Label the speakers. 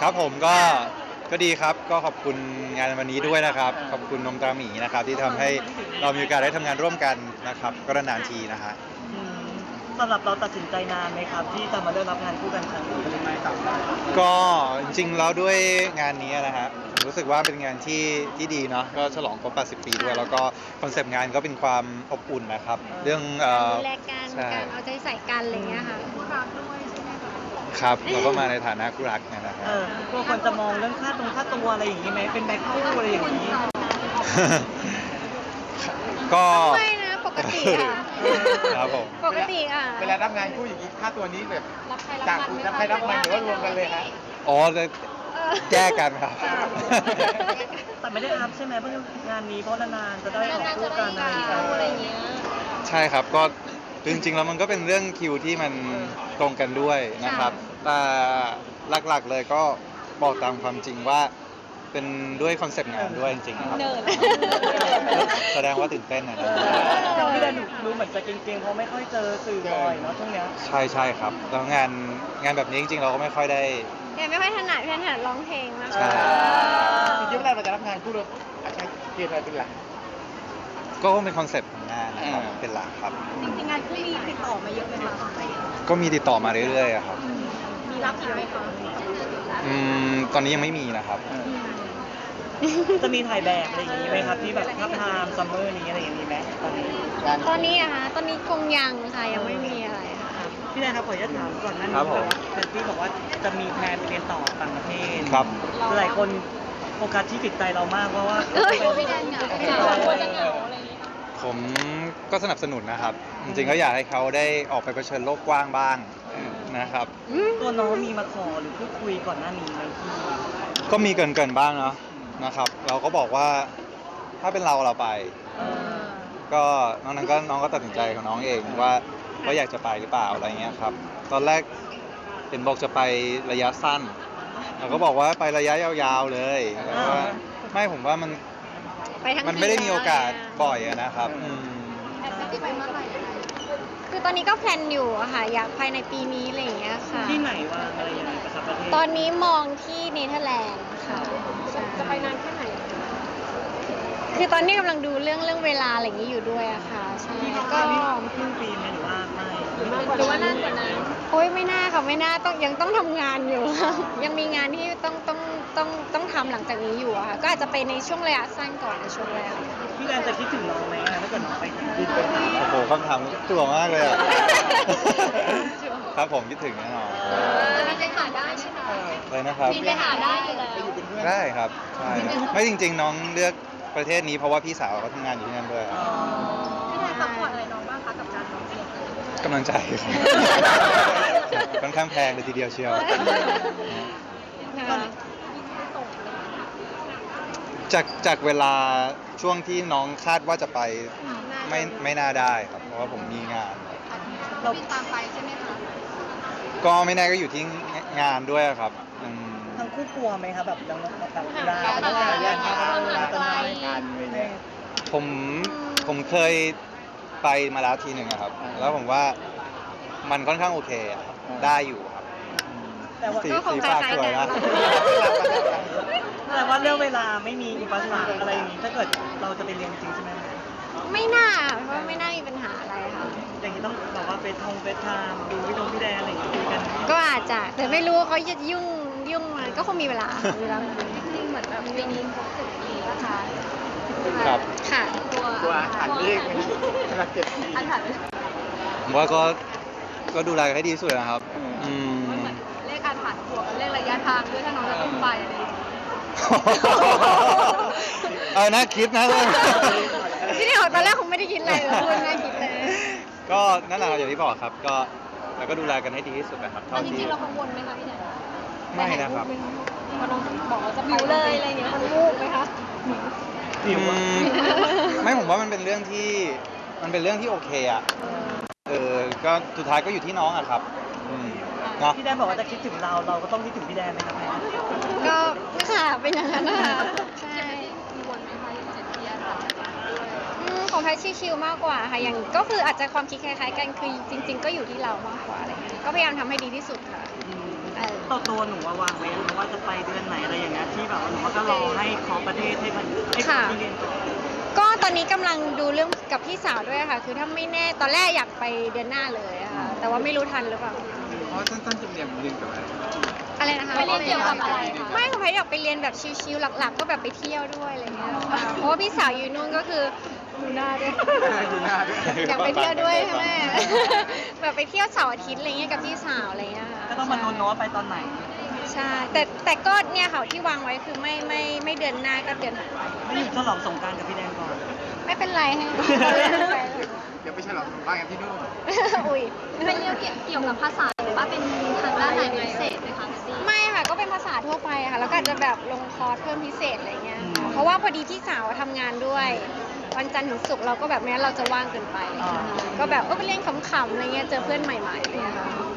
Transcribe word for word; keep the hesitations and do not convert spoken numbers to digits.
Speaker 1: ครับผมก็ก็ดีครับก็ขอบคุณงานวันนี้ด้วยนะครับขอบคุณนมตราหมีนะครับที่ทำให้เรามีโอกาสได้ทำงานร่วมกันนะครับก็นานๆทีนะฮะ
Speaker 2: อืมสำหรับเราตัดสินใจนานไหมครับที่จะมาเลือกรับงานคู่กันครั้งนี้เป็นไงครับ
Speaker 1: ก็จริงๆแล้วด้วยงานนี้นะฮะรู้สึกว่าเป็นงานที่ที่ดีเนาะก็ฉลองครบแปดสิบ ปีด้วยแล้วก็คอนเซปต์งานก็เป็นความอบอุ่นนะครับเรื่องเอ่อ
Speaker 3: ดูแลกัน
Speaker 1: ใช่
Speaker 3: การเอาใจใส่กันอะไรเงี้ยค่ะคู่รักด้วยใช่ไหมคะ
Speaker 1: ครับเราก็มาในฐานะคู่รักเนยนะฮะ
Speaker 2: เออกลัวคนจะมองเรื่องค่าตรงค่าตัวอะไรอย่างนี้ไหมเป็นแบ็คคู่อะไรอย่างนี้
Speaker 1: ก็
Speaker 3: ไม่นะปกติอ่ะ
Speaker 1: ครับผม
Speaker 3: ปกติอ่ะ
Speaker 4: เวลารับงานคู่อย่างนี้ค่าตัวนี้แบบ
Speaker 3: รับใคร
Speaker 4: จาก
Speaker 3: รับมัน
Speaker 4: รับใครรับมันหรือว่ารวมกันเลยฮะ
Speaker 1: อ๋อจะแก้กันครับ
Speaker 2: แต่ไม่ได้อัพใช่ไหมเพื่องานนี้เพราะนานๆจะได้ออก
Speaker 3: นานๆ
Speaker 2: คู่
Speaker 3: จะ
Speaker 2: กั
Speaker 3: ได้
Speaker 2: น
Speaker 3: กาวอะไรเงี้ย
Speaker 1: ใช่ครับก็จริงๆแล้วมันก็เป็นเรื่องคิวที่มันตรงกันด้วยนะครับแต่หลักๆเลยก็บอกตามความจริงว่าเป็นด้วยคอนเซปต์งานด้วยจริงๆครับ
Speaker 3: เนิร์ด
Speaker 1: แสดงว่าตื่นเต้นนะ
Speaker 2: แต่พี่แดนดูเหมือนจะเก่งๆเพราะไม่ค่อยเจอสื่อบ่อยเนาะช่วงเนี้ย
Speaker 1: ใช่ใช่ครับแล้วงานงานแบบนี้จริงๆเราก็ไม่ค่อยได้
Speaker 3: แกไม่ค่อยถนัดพี่ถนัดร้องเพลงมาก
Speaker 1: ใช่
Speaker 4: จริงๆเวลาเราจะรับงานคู่เราอาจจะเกียรติอะไรเป็นหลัก
Speaker 1: ก็เป็นคอนเซปต์ของงานนะครับ
Speaker 4: อ่า
Speaker 1: เป็นหลักครับ
Speaker 3: จริงๆงานคู่มีติดต่อมาเยอะไหมคะ
Speaker 1: ก็มีติดต่อมาเรื่อยๆอะครับ
Speaker 3: มีรับอีกไหมคะ
Speaker 1: อืมตอนนี้ยังไม่มีนะครับ
Speaker 2: จะมีถ่ายแบบอะไรอย่างนี้ไหมครับที่แบบทับทามซัมเมอร์นี้อะไรอย่างนี้ไหมตอนนี้
Speaker 4: งาน
Speaker 3: ตอนนี้อะคะตอนนี้คงยังค่ะยังไม่มีอะไรค่ะ
Speaker 2: พี่แดนครับขออนุญาตถามก่อนหนั้น
Speaker 1: ครับผม
Speaker 2: แต่ที่บอกว่าจะมีแพลนไปเรียนต่อต่างประเทศ
Speaker 1: ครับ
Speaker 2: หลายคนโฟกัสที่จิตใจเรามากเพราะว่า
Speaker 3: เอ้ยพี่แดนเหงาพี่แดนกลัวจะเหงาอะไรอย่างเงี้ย
Speaker 1: ผมก็สนับสนุนนะครับ จริงๆก็อยากให้เขาได้ออกไปเผชิญโลกกว้างบ้างนะครับ
Speaker 2: ตัวน้องมีมาขอหรือพูดคุยก่อนหน้านี้ไหมพี่
Speaker 1: ก็มีเกินเกินๆบ้างเนาะนะครับ เราก็บอกว่าถ้าเป็นเราเราไป
Speaker 2: เออ
Speaker 1: ก็น้องนั้นก็น้องก็ตัดสินใจของน้องเองว่าว่าอยากจะไปหรือเปล่าอะไรเงี้ยครับ ตอนแรกเห็นบอกจะไประยะสั้นเราก็บอกว่าไประยะยาวๆเลยแต่ว่าไม่ผมว่ามัน
Speaker 3: ไปทั้ง
Speaker 1: มันไม่ได้มีโอกาสบ่อยอะนะครับอืม
Speaker 3: แอบจะไปเมื่อไหร่คือตอนนี้ก็แพลนอยู่อะค่ะอยากภายในปีนี้อะไรอย่างเงี้ยค่ะ
Speaker 2: ที่ไหนวางอะไรยังไงประทับประเทศ
Speaker 3: ตอนนี้มองที่เนเธอร์แลนด์ค่ะจะไปนานแค่ไหน คือตอนนี้กำลังดูเรื่องเรื่องเวลาอะไรอย่างนี้อยู่ด้วยอะค่ะใช่
Speaker 2: ที่เขา
Speaker 3: ก็
Speaker 2: ที่ครึ่งปีไหมหรือว่าไม่
Speaker 3: หรือว่านานกว่านั้นโอ้ยไม่น่าค่ะไม่น่าต้องยังต้องทำงานอยู่ ยังมีงานที่ต้องต้องต้องต้องทำหลังจากนี้อยู่อะค่ะก็อาจจะไปในช่วงระยะสั้นก่อนในช่วงแรก
Speaker 2: พี่แดนจะคิดถึงน้องไหมอะถ้าเกิดน้องไปที่ญี่ปุ่น
Speaker 1: โอ้โหคำถามตัวมากเลยอะ ครับผมคิดถึงแน่นอน
Speaker 3: จะไปหาได้ใช่ไหม
Speaker 1: เลยนะครับ
Speaker 3: มีไปหาได้อยู่แล้ว
Speaker 4: ไปอยู่เป็นเพื่อน
Speaker 1: ได้ครับใช่ครับไม่จริง ๆ น้องเลือกประเทศนี้เพราะว่าพี่สาวเขาทำงานอยู่ที่นั่นด้วยครับ
Speaker 3: พี่แดนซัพพอร์ตอะไรน้องบ้างคะกับการร้องเพลง
Speaker 1: กำลังใจครับค่อนข้างแพงเลยทีเดียวเชียว จากจากเวลาช่วงที่น้องคาดว่าจะไปไม่ไม่น่าได้ครับ เพราะว่าผมมีงาน
Speaker 3: เราบินตามไปใช่ไหมคะ
Speaker 1: ก็ไม่แน่ก็อยู่ที่งานด้วยครับอืม
Speaker 2: ทั้งคู่กลัวไหมครับแบบยังแบบเวลาเวลาแยกทางเวลาตอนนั้น
Speaker 4: งานอะไรเงี้ย
Speaker 1: ผมผมเคยไปมาแล้วทีหนึ่งอะครับ แล้วผมว่ามันค่อนข้างโอเคอะครับได้อยู่ครับ
Speaker 2: แต่ว่า
Speaker 1: สีสีฟ้าสวยนะ
Speaker 2: แต่ว่าเรื่องเวลาไม่มีอุปสรรคอะไรอย่างนี้ถ้าเกิดเราจะไปเรียนจริงใช่ไหม
Speaker 3: ไม่น่าเพราะว่าไม่น่ามีปัญหาอะไรค่ะ
Speaker 2: อย่างนี้ต้องแบบว่าเฟซทงเฟซไทม์ดูพี่ตรงพี่แดนอะไรอย่างงี้คุยกัน
Speaker 3: ก็อาจจะแต่ไม่รู้ว่าเขาจะยุ่งยุ่งมันก็คงมีเวลาค่ะเวลาจริงเหมือนแบบปีนี้ครบสิบปีแล้วค่ะ
Speaker 1: ครับ
Speaker 3: ค่ะ
Speaker 4: ตัวอาหารเลขไหมสำหรับเจ็ดปี
Speaker 3: อันถัด
Speaker 1: ผมว่าก็ก็ดูแลกันให้ดีที่สุดนะครับ อืม
Speaker 3: เลขอาถรรพ์บวกกับเลขระยะทางด้วยถ้าน้องจะต้องไปอะไรอย่างเงี้ย
Speaker 1: เออน่าคิดนะ
Speaker 3: ที่นี่ตอนแรกคงไม่ได้คิดอะไรเลยพูดน่าคิดเลย
Speaker 1: ก็นั่นแหละครับอย่างที่บอกครับ ก็แล้วก็ดูแลกันให้ดีที่สุดนะครับ
Speaker 3: ตอ
Speaker 1: เท่าน
Speaker 3: จ
Speaker 1: ที่
Speaker 3: ริงๆเรากังวลไหมคะพี่แดน
Speaker 1: ไม่นะครับ
Speaker 3: พอน้องบอกว่าจะไปเลยอะไรอย่างเงี้ยมันวูบไหมคะ
Speaker 1: อืมไม่ผมว่ามันเป็นเรื่องที่มันเป็นเรื่องที่โอเคอะเออก็สุดท้ายก็อยู่ที่น้องอะครับอืมเนาะ
Speaker 2: พี่แดนบอกว่าจะคิดถึงเราเราก็ต้องคิดถึงพี่แดนไหมครับแม่
Speaker 3: ก็ค่ะเป็นอย่างนั้นนะคะใช่อืมของแพทชิลๆมากกว่าค่ะอย่างก็คืออาจจะความคิดคล้ายๆกันคือจริง ๆ ก็อยู่ที่เรามากกว่าอะไรเงี้ยก็พยายามทำให้ดีที่สุดค่ะ
Speaker 2: อืม
Speaker 3: อ
Speaker 2: ตัวตัวหนูว่าวางไว้แล้วว่าจะไปเดือนไหนอะไรอย่างเงี้ยที่แบบว่าหนูก็รอให้ขอประเทศให้มันให้คนที่เรียนจบ
Speaker 3: ก็ตอนนี้กำลังดูเรื่องกับพี่สาวด้วยค่ะ คือถ้าไม่แน่ตอนแรกอยากไปเดือนหน้าเลยอะค่ะ แต่ว่าไม่รู้ทันหรือเปล่า
Speaker 1: เพราะสั้นๆจะเรียนเรียนกับอะไร
Speaker 3: อะไรนะคะ
Speaker 5: ไปเรียนเกี่ยวกับอะไรคะ
Speaker 3: ไม่ค่ะพายอยากไปเรียนแบบชิลๆหลักๆ ก็แบบไปเที่ยวด้วยอะไรเงี้ยค่ะเพราะว่าพี่สาวอยู่นู่นก็คือดูหน้าด้วย
Speaker 1: ดูหน้าด้วย
Speaker 3: อยากไปเที่ยวด้วยใช่ไหม แบบไปเที่ยวเสาร์อาทิตย์อะไรเงี้ยกับพี่สาวอะไรเงี้ยค่ะ
Speaker 2: ก็ต้องมาลุ้นเนอะว่าไปตอนไหน
Speaker 3: ใช่ แต่แต่ก็เนี่ยค่ะที่วางไว้คือไม่ไม่ไม่เดือนหน้าก็เดือนถัดไป
Speaker 2: ไม่อยู่ฉลองสงกรารกับพี่แดนก่อน
Speaker 3: ไม่เป็นไรให้เขาเล่นไป
Speaker 4: เดี๋ยวไปฉลองบ้านกันที่นู่น
Speaker 3: อุ้ย
Speaker 5: เป็นเรื่องเกี่ยวเกี่ยวกับภาษาหรือว่าเป็นทางด้านไหนเป็นพิเศษไหมคะพี่
Speaker 3: ไม่ค่ะก็เป็นภาษาทั่วไปค่ะ แล้วก็อาจจะแบบลงคอร์สเพิ่มพิเศษอะไรเงี้ย
Speaker 2: อื
Speaker 3: ค่ะ
Speaker 2: ม
Speaker 3: เพราะว่าพอดีพี่สาวทำงานด้วย วันจันทร์ถึงศุกร์เราก็แบบแม้เราจะว่างเกินไป
Speaker 2: อ๋อ
Speaker 3: ก็แบบเออไปเล่นขำๆอะไรเงี้ยเจอเพื่อนใหม่ๆอะไรเลยค่ะ